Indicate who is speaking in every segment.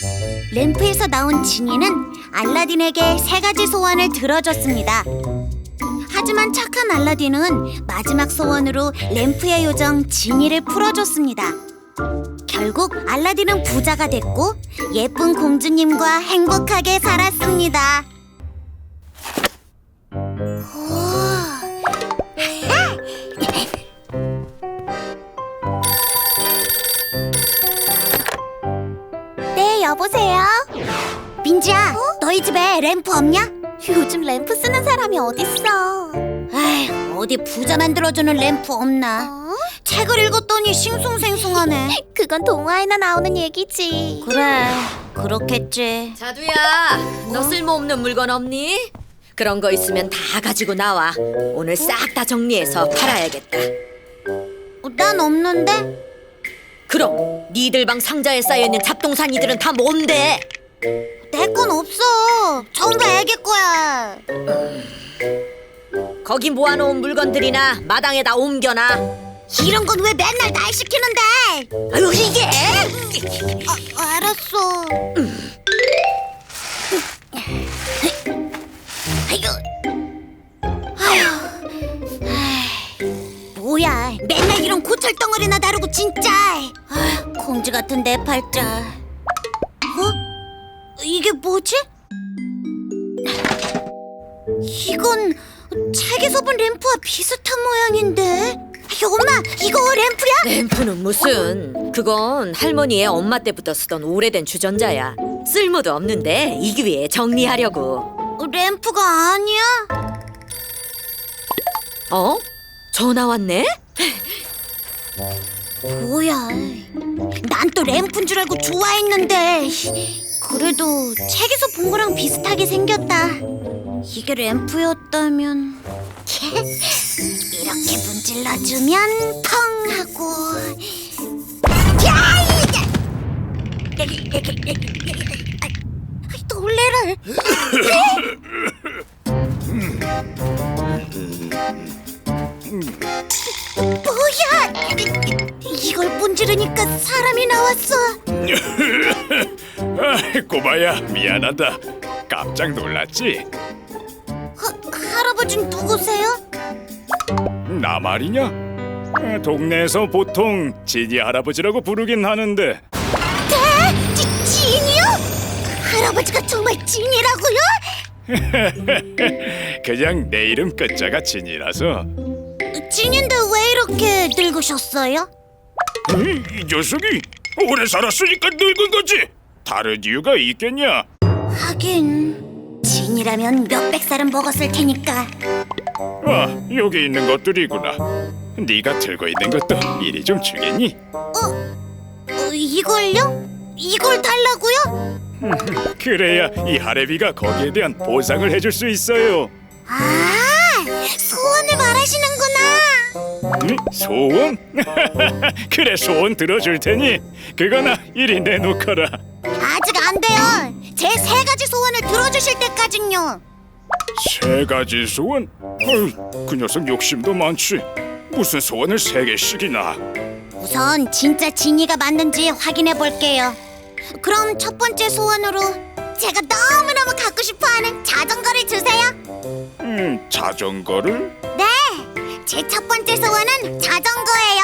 Speaker 1: 램프에서 나온 지니는 알라딘에게 3가지 소원을 들어줬습니다. 하지만 착한 알라딘은 마지막 소원으로 램프의 요정 지니를 풀어줬습니다. 결국 알라딘은 부자가 됐고 예쁜 공주님과 행복하게 살았습니다. 네, 여보세요? 민지야, 너희 집에 램프 없냐? 요즘 램프 쓰는 사람이 어딨어? 에휴, 어디 부자 만들어주는 램프 없나? 책을 읽었더니 싱숭생숭하네. 그건 동화에나 나오는 얘기지. 그래, 그렇겠지.
Speaker 2: 자두야, 너 쓸모없는 물건 없니? 그런 거 있으면 다 가지고 나와. 오늘 싹 다 정리해서 팔아야겠다.
Speaker 1: 난 없는데?
Speaker 2: 그럼 니들 방 상자에 쌓여있는 잡동사니들은 다 뭔데?
Speaker 1: 내 건 없어. 전부 애기 거야.
Speaker 2: 거기 모아놓은 물건들이나 마당에다 옮겨놔.
Speaker 1: 이런 건 왜 맨날 날 시키는데?
Speaker 2: 아유 이게!
Speaker 1: 알았어. 뭐야, 맨날 이런 고철 덩어리나 다루고 진짜. 공주 같은 내 팔자. 이게 뭐지? 이건 책에서 본 램프와 비슷한 모양인데. 엄마, 이거 램프야?
Speaker 2: 램프는 무슨? 그건 할머니의 엄마 때부터 쓰던 오래된 주전자야. 쓸모도 없는데 이 기회에 정리하려고.
Speaker 1: 램프가 아니야?
Speaker 2: 어? 전화 왔네?
Speaker 1: 뭐야, 난 또 램프인 줄 알고 좋아했는데. 그래도 책에서 본 거랑 비슷하게 생겼다. 이게 램프였다면 이렇게 문질러주면 텅 하고. 야! 놀래라. 뭐야? 이걸 문지르니까 사람이 나왔어.
Speaker 3: 꼬마야, 미안하다. 깜짝 놀랐지?
Speaker 1: 할아버지는 누구세요?
Speaker 3: 나 말이냐? 동네에서 보통 지니 할아버지라고 부르긴 하는데.
Speaker 1: 진이요? 할아버지가 정말 진이라고요?
Speaker 3: 그냥 내 이름 끝자가 진이라서.
Speaker 1: 진인데 왜 이렇게 늙으셨어요?
Speaker 3: 이 녀석이 오래 살았으니까 늙은 거지. 다른 이유가 있겠냐?
Speaker 1: 하긴 진이라면 몇백 살은 먹었을 테니까.
Speaker 3: 아, 여기 있는 것들이구나. 네가 들고 있는 것도 이리 좀 주겠니?
Speaker 1: 이걸요? 이걸 달라고요?
Speaker 3: 그래야 이 하레비가 거기에 대한 보상을 해줄 수 있어요.
Speaker 1: 아, 소원을 말하시는구나.
Speaker 3: 소원? 그래, 소원 들어줄 테니 그거나 이리 내놓거라.
Speaker 1: 아직 안 돼요. 제 3가지 소원을 들어주실 때까진요.
Speaker 3: 3가지 소원? 어휴, 그 녀석 욕심도 많지. 무슨 소원을 3개씩이나.
Speaker 1: 우선 진짜 진이가 맞는지 확인해 볼게요. 그럼 첫 번째 소원으로 제가 너무너무 갖고 싶어하는 자전거를 주세요.
Speaker 3: 자전거를?
Speaker 1: 네, 제 첫 번째 소원은 자전거예요.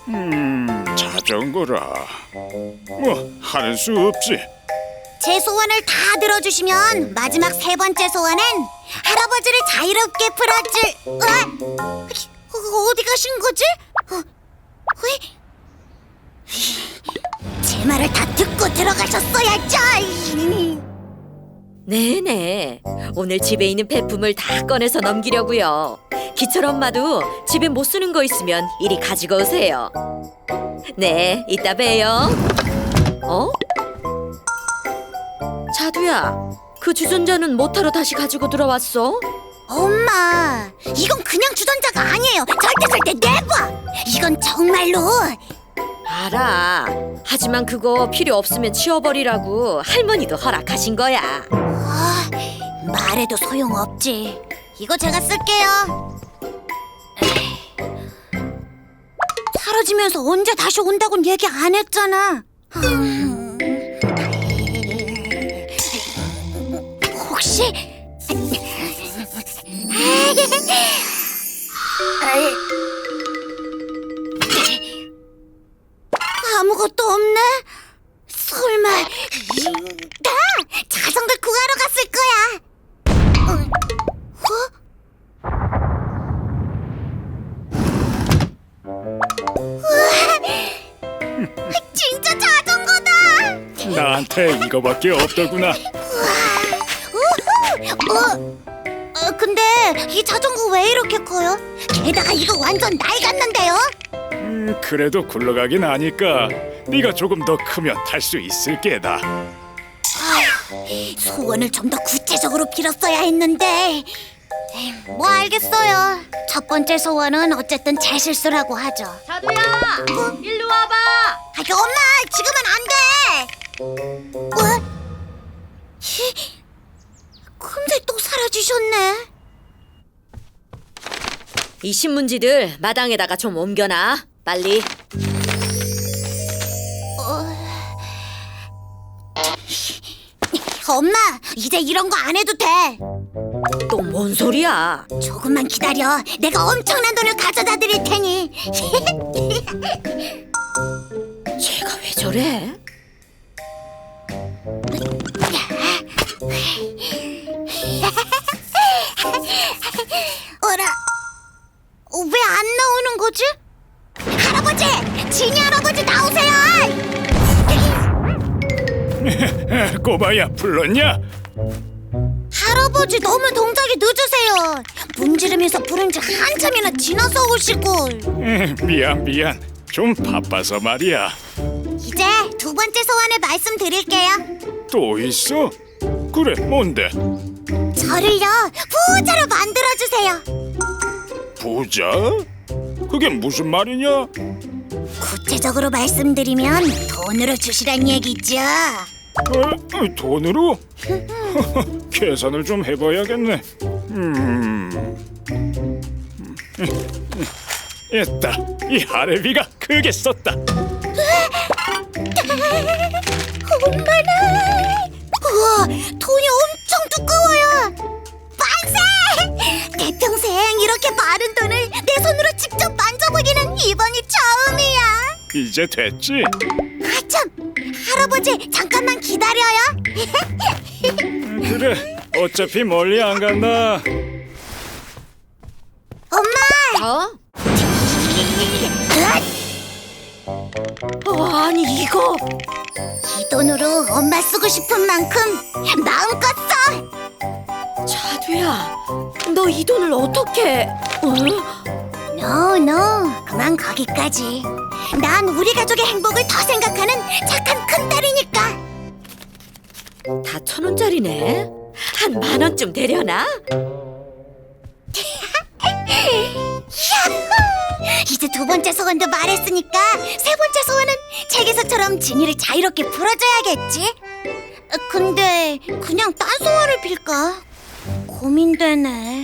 Speaker 3: 자전거라. 뭐 하는 수 없지.
Speaker 1: 제 소원을 다 들어주시면 마지막 3번째 소원은 할아버지를 자유롭게 풀어줄. 어디 가신 거지? 제 말을 다 듣고 들어가셨어야죠.
Speaker 2: 네네. 오늘 집에 있는 폐품을 다 꺼내서 넘기려고요. 기철 엄마도 집에 못 쓰는 거 있으면 이리 가지고 오세요. 네, 이따 봬요. 어? 자두야, 그 주전자는 뭐하러 다시 가지고 들어왔어?
Speaker 1: 엄마, 이건 그냥 주전자가 아니에요. 절대 never. 이건 정말로.
Speaker 2: 알아. 하지만 그거 필요 없으면 치워버리라고 할머니도 허락하신 거야.
Speaker 1: 말해도 소용없지. 이거 제가 쓸게요. 사라지면서 언제 다시 온다고는 얘기 안 했잖아. 아무것도 없네. 설마 나 자전거 구하러 갔을 거야. 우와, 진짜 자전거다.
Speaker 3: 나한테 이거밖에 없더구나.
Speaker 1: 우후! 근데 이 자전거 왜 이렇게 커요? 게다가 이거 완전 낡았는데요?
Speaker 3: 그래도 굴러가긴 하니까 네가 조금 더 크면 탈 수 있을 게다.
Speaker 1: 소원을 좀 더 구체적으로 빌었어야 했는데. 뭐 알겠어요. 첫 번째 소원은 어쨌든 제 실수라고 하죠.
Speaker 2: 자두야, 일로 와봐.
Speaker 1: 엄마, 지금은 안 돼. 근데 또 사라지셨네.
Speaker 2: 이 신문지들 마당에다가 좀 옮겨놔. 빨리.
Speaker 1: 엄마, 이제 이런 거 안 해도 돼.
Speaker 2: 또 뭔 소리야?
Speaker 1: 조금만 기다려. 내가 엄청난 돈을 가져다 드릴 테니.
Speaker 2: 쟤가 왜 저래?
Speaker 1: 어라, 왜 안 나오는 거지? 할아버지! 지니 할아버지 나오세요!
Speaker 3: 꼬마야, 불렀냐?
Speaker 1: 할아버지 너무 동작이 늦으세요. 문지르면서 부른 지 한참이나 지나서 오시고.
Speaker 3: 미안. 좀 바빠서 말이야.
Speaker 1: 이제 두 번째 소원을 말씀드릴게요.
Speaker 3: 또 있어? 그래, 뭔데?
Speaker 1: 저를요 부자로 만들어주세요.
Speaker 3: 부자? 그게 무슨 말이냐?
Speaker 1: 구체적으로 말씀드리면 돈으로 주시란 얘기죠.
Speaker 3: 돈으로? 계산을 좀 해봐야겠네. 있다. 이 할애비가 크게 썼다.
Speaker 1: 엄마나. 우와, 돈이 엄청 두꺼워요. 만세! 내 평생 이렇게 많은 돈을 내 손으로 직접 만져보기는 이번이 처음이야.
Speaker 3: 이제 됐지?
Speaker 1: 아참, 할아버지 잠깐만 기다려요.
Speaker 3: 그래, 어차피 멀리 안 간다.
Speaker 1: 엄마!
Speaker 2: 어? 아니 이거
Speaker 1: 이 돈으로 엄마 쓰고 싶은 만큼 마음껏 써.
Speaker 2: 자두야, 너 이 돈을 어떻게?
Speaker 1: No, 그만 거기까지. 난 우리 가족의 행복을 더 생각하는 착한 큰딸이니까.
Speaker 2: 다 1,000원짜리네. 한 10,000원쯤 되려나?
Speaker 1: 이제 두 번째 소원도 말했으니까 세 번째 소원은 책에서처럼 진이를 자유롭게 풀어줘야겠지. 근데 그냥 딴 소원을 빌까? 고민되네.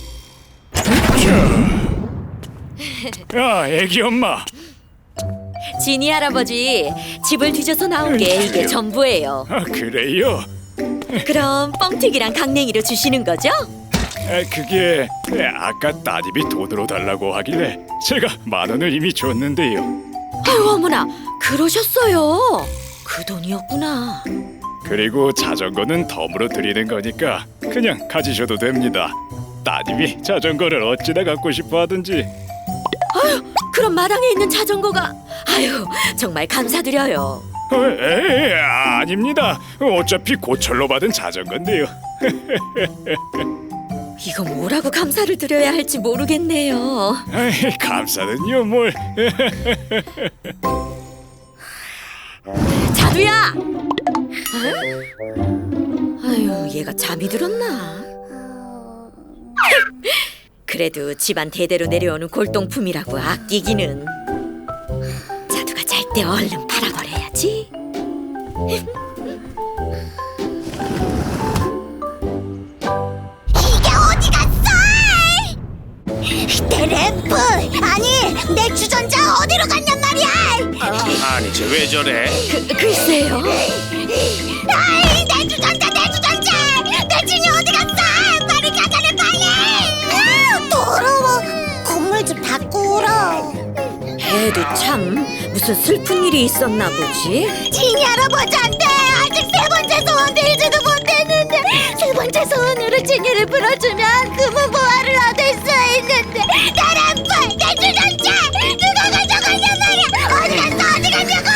Speaker 3: 야, 애기 엄마.
Speaker 2: 지니 할아버지, 집을 뒤져서 나온 게 이게 전부예요.
Speaker 3: 그래요?
Speaker 2: 그럼 뻥튀기랑 강냉이로 주시는 거죠?
Speaker 3: 그게 아까 따님이 돈으로 달라고 하길래 제가 10,000원을 이미 줬는데요.
Speaker 2: 아유 어머나, 그러셨어요. 그 돈이었구나.
Speaker 3: 그리고 자전거는 덤으로 드리는 거니까 그냥 가지셔도 됩니다. 따님이 자전거를 어찌나 갖고 싶어 하든지.
Speaker 2: 아유, 그럼 마당에 있는 자전거가. 아유, 정말 감사드려요.
Speaker 3: 아닙니다. 어차피 고철로 받은 자전거인데요.
Speaker 2: 이거 뭐라고 감사를 드려야 할지 모르겠네요.
Speaker 3: 감사는요 뭘.
Speaker 2: 자두야! 아유, 얘가 잠이 들었나? 그래도 집안 대대로 내려오는 골동품이라고 아끼기는. 자두가 잘 때 얼른 팔아버려야지.
Speaker 1: 이게 어디 갔어? 내 램프! 아니, 내 주전자 어디로 갔냔 말이야!
Speaker 3: 아니 쟤 왜 저래?
Speaker 2: 글쎄요.
Speaker 1: 아이, 내 주전자! 내 진이 어디 갔어? 빨리 찾아내, 빨리! 더러워! 건물주
Speaker 2: 무슨 슬픈 일이 있었나 보지?
Speaker 1: 지니 할아버지한테 아직 세 번째 소원 빌지도 못했는데 세 번째 소원으로 지니를 풀어주면 금은 보화를 얻을 수 있는데 나랑 내 주전자 누가 가져가냐 말이야. 어디 갔어 어디 가냐고.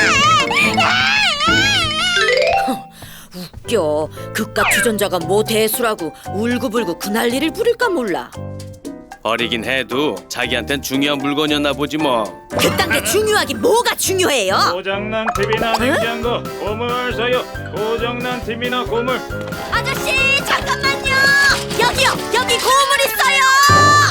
Speaker 2: 웃겨. 그깟 주전자가 뭐 대수라고 울고불고 그 난리를 부릴까 몰라.
Speaker 4: 어리긴 해도 자기한텐 중요한 물건이었나 보지 뭐.
Speaker 2: 그딴 게 중요하긴 뭐가 중요해요?
Speaker 3: 고장난 TV나 냉장고, 고물 사요. 고장난 TV나 고물.
Speaker 2: 아저씨 잠깐만요. 여기요. 여기 고물 있어요.